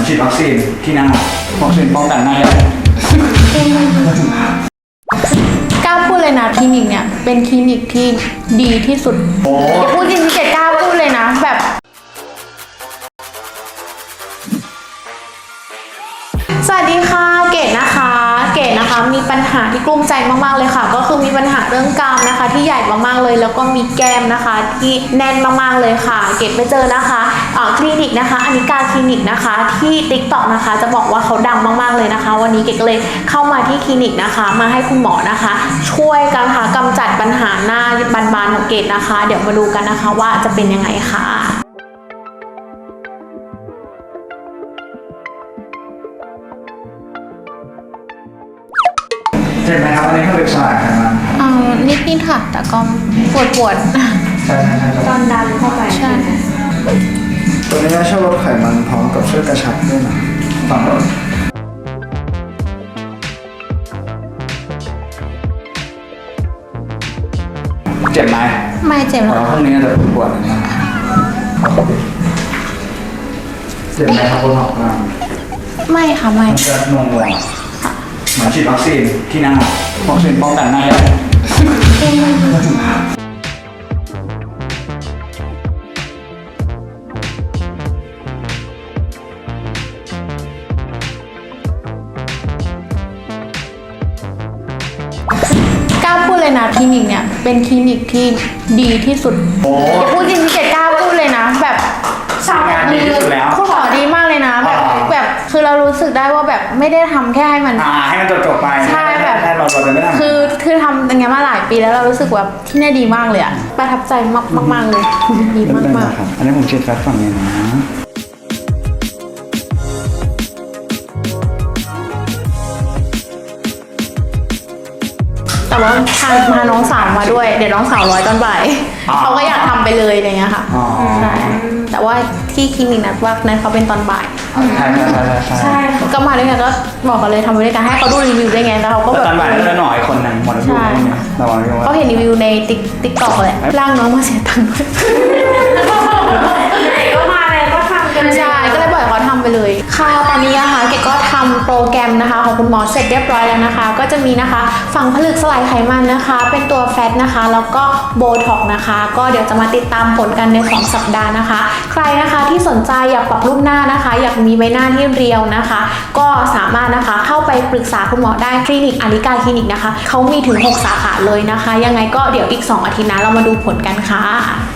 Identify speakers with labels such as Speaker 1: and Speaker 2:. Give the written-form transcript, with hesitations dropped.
Speaker 1: ฉีดวัคซีนที่หน้าวัคซีนป้องกันหน้าใหญ่
Speaker 2: กล้าพูดเลยนะคลินิกเนี่ยเป็นคลินิกที่ดีที่สุดพูดจริงๆเกดกล้าพูดเลยนะแบบสวัสดีค่ะเกดนะคะมีปัญหาที่กลุ้มใจมากๆเลยค่ะก็คือมีปัญหาเรื่องกรามนะคะที่ใหญ่มากๆเลยแล้วก็มีแก้มนะคะที่แน่นมากๆเลยค่ะเกดไปเจอนะคะคลินิกนะคะอนิกาคลินิกนะคะที่ TikTok นะคะจะบอกว่าเขาดังมากๆเลยนะคะวันนี้เกดก็เลยเข้ามาที่คลินิกนะคะมาให้คุณหมอนะคะช่วยกันค่ะกำจัดปัญหาหน้าบานๆของเกดนะคะเดี๋ยวมาดูกันนะคะว่าจะเป็นยังไงค่ะ
Speaker 1: เจ็บไหมครับอันนี้เขาเรียกสลายไขมัน
Speaker 2: นิดค่ะแต่ก็ปวด
Speaker 1: ใช่
Speaker 2: ตอนดันเข้าไปใช่
Speaker 1: ตัวนี้ช่วยลดไขมันพร้อมกับช่วยกระชับด้วยนะฝั่งรถเจ็บไหม
Speaker 2: ไม่เจ็บหรอก
Speaker 1: พรุ่งนี้จะปวดนะเจ็บไหมครับคุณหมอ
Speaker 2: ไม่ค่ะไม่
Speaker 1: จะงงเหมือนฉีดวัคซีนที่หน้าวัคซีนป้องกันหน้าใหญ่
Speaker 2: กล้าพูดเลยนะคลินิกเนี่ยเป็นคลินิกที่ดีที่สุดพูดจริงๆเกดกล้าพูดเลยนะแบบ
Speaker 1: งานดีที่สุดแล้ว
Speaker 2: คุณหมอดีมากเลยนะแบบคือเรารู้สึกได้ว่าแบบไม่ได้ทำแค่ให้มัน
Speaker 1: จบไป
Speaker 2: ใช่แบบ
Speaker 1: เราจะไม่ทำ
Speaker 2: คือทำอย่างเงี้ยมาหลายปีแล้วเรารู้สึกว่าที่นี่ดีมากเลยอะประทับใจมากเลยดีมาก
Speaker 1: อันนี้ผมฉีดแฟตฝั่งนี้นะ
Speaker 2: แต่ว่าพาน้องสาวมาด้วยเดี๋ยวน้องสาวร้อยตอนบ่ายเขาก็อยากทำไปเลยอะไรเงี้ยค่ะใช่แต่ว่าที่คลินิกนัดว่านั้นเขาเป็นตอนบ่ายใช่ก็มาด้วยกันก็บอกเขาเลยทำไปด้วยกันให้เขาดูรีวิวได้ไงแล้วเขาก็แบบ
Speaker 1: ตอนบ่ายก็หน่อยคนนึงหมดรีวิว
Speaker 2: เขาเห็นรีวิวในติ๊กต็อกเลยร่างน้องมาเสียตังค์ด้วยก็มาเลยก็ทำกันใช่ก็เลยบอกเขาทำไปเลยค่ะตอนนี้นะคะเกดก็ทำโปรแกรมนะคะของคุณหมอเสร็จเรียบร้อยแล้วนะคะก็จะมีนะคะฝังผลึกสลายไขมันนะคะเป็นตัวแฟตนะคะแล้วก็โบท็อกนะคะก็เดี๋ยวจะมาติดตามผลกันใน2สัปดาห์นะคะใครนะคะที่สนใจอยากปรับรูปหน้านะคะอยากมีใบหน้าที่เรียวนะคะก็สามารถนะคะเข้าไปปรึกษาคุณหมอได้คลินิกอนิกาคลินิกนะคะเขามีถึง6 สาขาเลยนะคะยังไงก็เดี๋ยวอีก2 อาทิตย์นะเรามาดูผลกันค่ะ